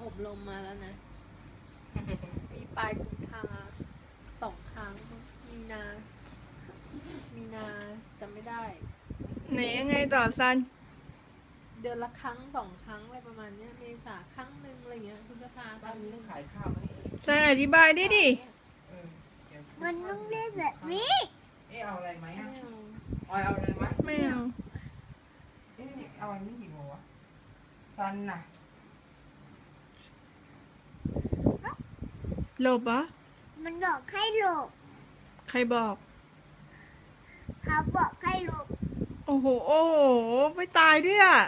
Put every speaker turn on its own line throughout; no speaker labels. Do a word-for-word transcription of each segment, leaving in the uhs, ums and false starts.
อบรมมาแล้วนะ มีปลายกุมภาสองครั้ง มีนา มีนาจำไม่ได้
ไหนยังไงต่อซัน
เดือนละครั้งสองครั้งอะไรประมาณเนี้ยเมษาครั้งหนึ่งอะไรเงี้ยคุณจะพา
บ้านนี้ต้องขายข้าวไหม
ซันอธิบายได้ดิ
เออเดี๋ยว
มันต้องเล่นแบบนี้
เอ๊ะเอาอะไรไหม
ไม่
อ่ะ
เอา
ออยเอาอะไรไหม
ไม่เอา
เอ๊ะเอาอันนี้กี่โมงวะซันน่ะ
หลบเหรอ
มันบอกให้หลบ
ใครบอก
เขาบอกให้หลบ
โอ้โห โอ้โห ไม่ตายด้วยอ่ะ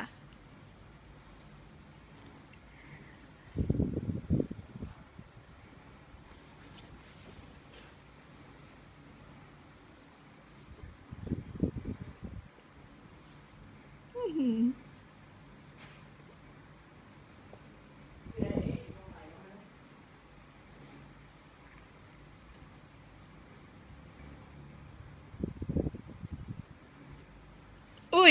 อื้อหืออุ้ย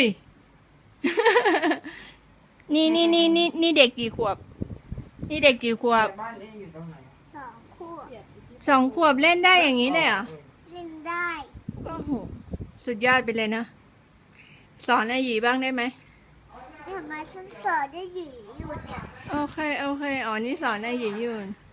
นี่นี่นี่นี่นี่เด็กกี่ขวบ นี่เด็กกี่ขวบ
บ้านเอ๊ะอยู่ตรงไหน
สองคู่
เกลียดอีกที่
สองขวบเล่นได้อย่างนี้เลยเหรอ
เล่นได้
โอ้โห สุดยอดไปเลยนะ สอนไอหยีบ้างได้ไหม
ทำไมฉันสอนได้หยีอยู่เนี่ย
โอเค โอเค อ๋อ นี่สอนไอหยีอยู่